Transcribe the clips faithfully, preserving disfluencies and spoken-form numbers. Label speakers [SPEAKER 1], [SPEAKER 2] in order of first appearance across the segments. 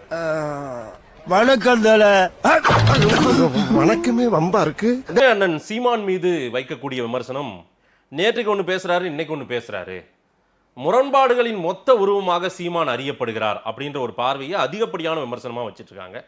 [SPEAKER 1] வணக்கம் தல.
[SPEAKER 2] வணக்கமே வம்பா இருக்கு.
[SPEAKER 3] அண்ணன் சீமான் மீது வைக்கக்கூடிய விமர்சனம், நேற்றுக்கு ஒண்ணு பேசுறாரு, இன்னைக்கு ஒண்ணு பேசுறாரு. முரண்பாடுகளின் மொத்த உருவமாக சீமான் அறியப்படுகிறார் அப்படின்ற ஒரு பார்வையை அதிகப்படியான விமர்சனமா வச்சிட்டு இருக்காங்க.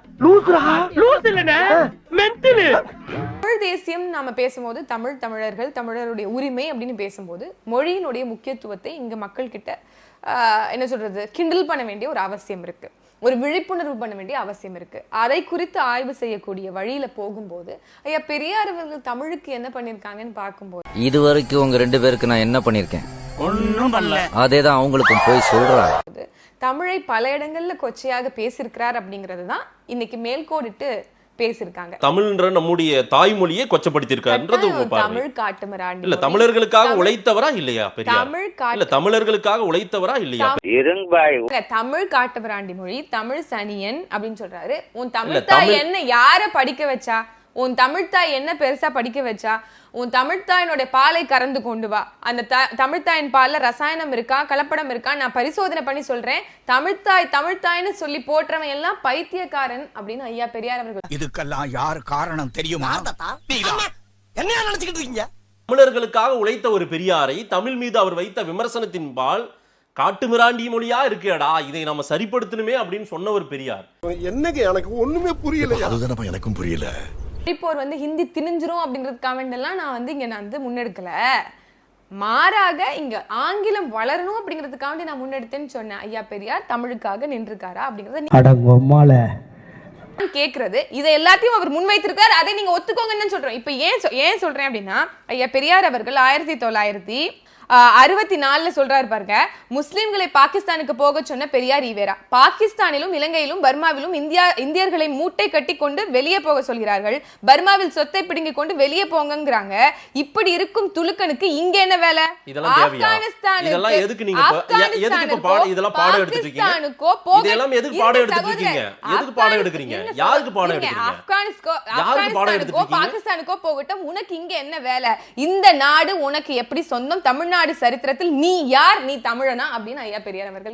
[SPEAKER 4] தமிழ் தேசியம் நாம பேசும்போது தமிழ் தமிழர்கள் தமிழருடைய உரிமை அப்படின்னு பேசும்போது மொழியினுடைய முக்கியத்துவத்தை இங்க மக்கள் கிட்ட என்ன சொல்றது கிண்டல் பண்ண வேண்டிய ஒரு அவசியம் இருக்கு, ஒரு விழிப்புணர்வு பண்ண வேண்டிய அவசியம் இருக்கு. அதை குறித்து ஆய்வு செய்யக்கூடிய வழியில போகும்போது ஐயா பெரியார் அவர்கள் தமிழுக்கு என்ன பண்ணிருக்காங்கன்னு பார்க்கும்போது,
[SPEAKER 5] இது வரைக்கும் உங்க ரெண்டு பேருக்கு நான் என்ன பண்ணிருக்கேன்?
[SPEAKER 1] ஒன்னும் பண்ணல.
[SPEAKER 5] அதேதான் அவங்களுக்கும் போய் சொல்றாங்க.
[SPEAKER 4] தமிழை பல இடங்கள்ல கொச்சையாக பேசியிருக்கிறார் அப்படிங்கறது தான் இன்னைக்கு மேல்கோடிட்டு பேசிருக்காங்க.
[SPEAKER 3] தமிழ்ன்ற நம்முடைய தாய்மொழியை கொச்சப்படுத்தியிருக்காருன்றது உங்க பார்வை.
[SPEAKER 4] தமிழ் காட்டுமிராண்டி
[SPEAKER 3] இல்ல தமிழர்களுக்காக உழைத்தவரா இல்லையா பெரியார்?
[SPEAKER 4] தமிழ்
[SPEAKER 3] இல்ல தமிழர்களுக்காக உழைத்தவரா இல்லையா?
[SPEAKER 4] தமிழ் காட்டுமிராண்டி மொழி, தமிழ் சனியன் அப்படின்னு சொல்றாரு. உன் தமிழ் தாய் என்ன யார படிக்க வச்சா? உன் தமிழ்தாய் என்ன பெருசா படிக்க வச்சா? உன் தமிழ்தாயினுடைய பாலை கறந்து கொண்டு வா. அந்த தமிழ்தாயின் பால்ல ரசாயனம் இருக்கா, கலப்படம் இருக்கா, நான் பரிசோதனை பண்ணி சொல்றேன். தமிழ்தாய் தமிழ்தாய்னு சொல்லி போற்றவன் எல்லாம் பைத்தியக்காரன் அப்படின்னு ஐயா பெரியார் அவர்கள்.
[SPEAKER 1] இதுக்கெல்லாம் யார் காரணம் தெரியுமா?
[SPEAKER 2] என்ன நினைச்சுக்கிட்டு இருக்கீங்க?
[SPEAKER 3] தமிழர்களுக்காக உழைத்த ஒரு பெரியாரை தமிழ் மீது அவர் வைத்த விமர்சனத்தின் பால் காட்டுமிராண்டி மொழியா இருக்கேடா, இதை நம்ம சரிப்படுத்தணுமே அப்படின்னு சொன்ன ஒரு பெரியார்.
[SPEAKER 2] என்னங்க எனக்கு ஒண்ணுமே புரியல. அதுதானப்பா எனக்கும் புரியல.
[SPEAKER 4] இப்போ வந்து ஹிந்தி திணிஞ்சிரும் அப்படின்றது கமெண்ட் எல்லாம் நான் வந்து இங்க நான் வந்து முன்னெடுக்கல. மாறாக இங்க ஆங்கிலம் வளரணும் அப்படிங்கிறதுக்காக நான் முன்னெடுத்தேன்னு சொன்னேன். ஐயா பெரியார் தமிழுக்காக நின்றுக்காரா அப்படிங்கறத கேக்குறது. இதை எல்லாத்தையும் அவர் முன்வைத்திருக்காரு, அதை நீங்க ஒத்துக்கோங்கன்னு சொல்றோம். இப்ப ஏன் ஏன் சொல்றேன் அப்படின்னா, ஐயா பெரியார் அவர்கள் ஆயிரத்தி தொள்ளாயிரத்தி அறுபத்தி நாலுல சொல்றாரு பாருங்க, முஸ்லிம்களை பாகிஸ்தானுக்கு போக சொன்ன பெரியார் ஈவேரா. பாகிஸ்தானிலும் இலங்கையிலும் பர்மாவிலும் இந்தியா இந்தியர்களை மூட்டை கட்டி கொண்டு வெளியே போக சொல்கிறார்கள். பர்மாவில் சொத்தை பிடுங்கி கொண்டு வெளியே போங்கிறாங்க. இப்படி இருக்கும் துலுக்கனுக்கு இங்க என்ன வேலை?
[SPEAKER 3] இதெல்லாம் எதுக்கு நீங்க எதுக்கு பாடம் இதெல்லாம் பாடம் எடுத்துட்டு இருக்கீங்க? இதெல்லாம் எதுக்கு பாடம் எடுத்துட்டு இருக்கீங்க? எதுக்கு பாடம் எடுக்கறீங்க? யாருக்கு பாடம் எடுக்கறீங்க?
[SPEAKER 4] ஆப்கானிஸ்கோ
[SPEAKER 3] யாருக்கு பாடம் எடுத்துட்டு இருக்கீங்க?
[SPEAKER 4] பாகிஸ்தானுக்கோ போகட்டும், உனக்கு இங்க என்ன வேலை? இந்த நாடு உனக்கு எப்படி சொந்தம்? தமிழ்நாடு நாடு சரித்திரத்தில் நீ யார்? நீ தமிழனா அப்படின்னு ஐயா பெரியார் அவர்கள்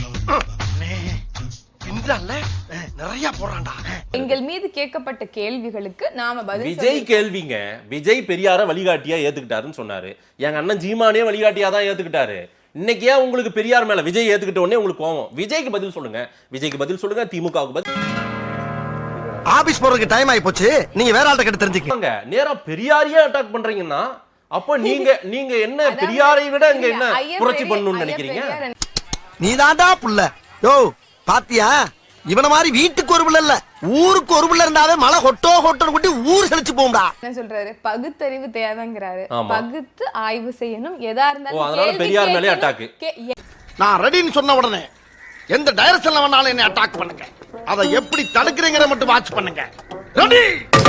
[SPEAKER 2] நிறைய போறான்டா.
[SPEAKER 4] எங்கள் மீது கேட்கப்பட்ட கேள்விகளுக்கு நாம பதில்.
[SPEAKER 3] விஜய் கேள்விங்க, விஜய் பெரியார வழிகாட்டியா ஏத்துக்கிட்டாருன்னு சொன்னாரு. எங்க அண்ணன் ஜீமானே வழிகாட்டியா தான் ஏத்துக்கிட்டாரு. இன்னைக்கு ஏன் உங்களுக்கு பெரியார் மேல விஜய் ஏத்துக்கிட்ட உடனே உங்களுக்கு கோவம்? விஜய்க்கு பதில் சொல்லுங்க, விஜய்க்கு பதில் சொல்லுங்க, திமுகவுக்கு பதில்.
[SPEAKER 2] ஆபீஸ் போறதுக்கு டைம் ஆயி போச்சு, நீங்க வேற ஆள்கிட்ட கிட்ட தெரிஞ்சுக்கங்க.
[SPEAKER 3] நேரா பெரியாரையே அட்டாக் பண்றீங்கன்னா அப்ப நீங்க நீங்க என்ன பெரியாரை விட இங்க என்ன புரட்சி பண்ணணும்னு நினைக்கிறீங்க?
[SPEAKER 2] நீதான்டா புள்ள. யோ பாத்தியா, இவன மாதிரி வீட்டுக்கு ஒரு புள்ள இல்ல ஊருக்கு ஒரு புள்ள இருந்தாவே மழை கொட்டோ கொட்டோ கொட்டி ஊர் செழிச்சு போகும்டா.
[SPEAKER 4] என்ன சொல்றாரு? பகுத்தறிவு தேவைங்கறாரு. பகுத்து ஆய்வு செய்யணும். எதா இருந்தாலும்
[SPEAKER 3] அதனால பெரியார் மேலே அட்டாக்.
[SPEAKER 2] நான் ரெடின்னு சொன்ன உடனே எந்த டைரக்ஷன்ல வேணாலும் என்ன அட்டாக் பண்ணுங்க. அதை எப்படி தடுக்கிறீங்கற மட்டும் வாட்ச் பண்ணுங்க. ரெடி.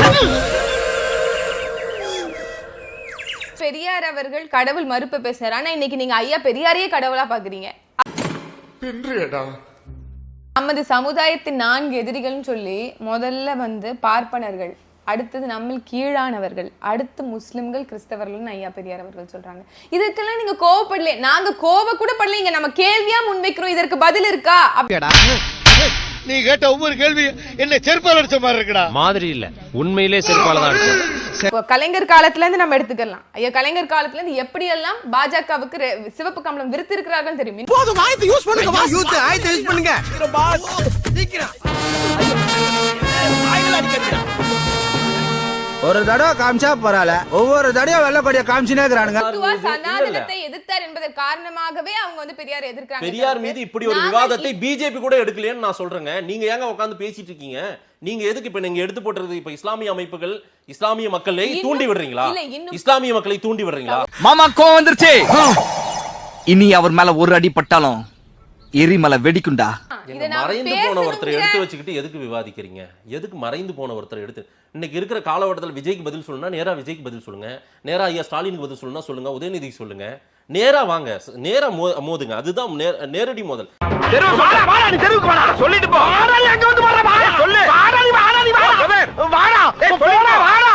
[SPEAKER 4] பெரியார் அவர்கள் கடவுள் மறுப்பு பேசுறாரு. ஆனா இன்னைக்கு நீங்க ஐயா பெரியாரையே கடவுளா பாக்குறீங்க. நமது சமுதாயத்தின் நான்கு எதிரிகள்னு சொல்லி முதல்ல வந்து பார்ப்பனர்கள், அடுத்தது நம்ம கீழானவர்கள், அடுத்து முஸ்லிம்கள், கிறிஸ்தவர்கள் ஐயா பெரியார் அவர்கள் சொல்றாங்க. இதுக்கெல்லாம் நீங்க கோவப்படல, நாங்க கோவ கூட படல. நம்ம கேள்வியா முன்வைக்கிறோம், இதற்கு பதில் இருக்கா?
[SPEAKER 2] நீ கேட்ட ஒவ்வொரு கேள்வி என்ன செருப்பால அடிச்ச மாதிரி இருக்குடா.
[SPEAKER 6] மாதிரி இல்ல, உண்மையிலே செருப்பால தான் அடிச்சது.
[SPEAKER 4] கலைஞர் காலத்துல இருந்து நம்ம எடுத்துக்கலாம். ஐயா கலைஞர் காலத்துல இருந்து எப்படி எல்லாம் பாஜகவுக்கு சிவப்பு கம்பளம் விருத்தி இருக்கிறார்கள் தெரியும்.
[SPEAKER 1] போதும், ஆயத்தை யூஸ் பண்ணுங்க பாஸ். யூத் ஆயத்தை யூஸ் பண்ணுங்க பாஸ். சீக்கிரம் ஆயில அடிக்கறீங்க. ஒரு தடவை காமிச்சா பரவாயில்ல, ஒவ்வொரு தடவையும் வெள்ள கொடிய காமிச்சினே இருக்கானுங்க.
[SPEAKER 4] சனாதனத்தை எதிர்த்தார் என்பதற்கு காரணமாகவே அவங்க வந்து பெரியார் எதிர்க்கிறாங்க.
[SPEAKER 3] பெரியார் மீது இப்படி ஒரு விவாதத்தை பிஜேபி கூட எடுக்கலைன்னு நான் சொல்றேங்க. நீங்க ஏங்க உட்கார்ந்து பேசிட்டு இருக்கீங்க? நீங்க எதுக்கு இப்ப நீங்க எடுத்து போட்டுறது? இப்ப இஸ்லாமிய அமைப்புகள் இஸ்லாமிய மக்களை தூண்டி விடுறீங்களா? இஸ்லாமிய மக்களை தூண்டி விடுறீங்களா?
[SPEAKER 7] மாமா கோவம் வந்துருச்சு. இனி அவர் மேல ஒரு அடி பட்டாலும் எரிமலை வெடிக்குண்டா.
[SPEAKER 3] மறைந்து போன ஒருத்தரை எடுத்து வச்சுக்கிட்டு எதுக்கு விவாதிக்கிறீங்க? எதுக்கு மறைந்து போன ஒருத்தரை எடுத்து? இன்னைக்கு இருக்கிற காலகட்டத்தில் விஜய்க்கு பதில் சொல்லணும்னா நேரா விஜய்க்கு பதில் சொல்லுங்க, நேரா ஐயா ஸ்டாலினுக்கு பதில் சொல்லணும்னா சொல்லுங்க, உதயநிதிக்கு சொல்லுங்க, நேரா வாங்க, நேரா மோதுங்க. அதுதான் நேரடி மோதல். சொல்லிட்டு போ.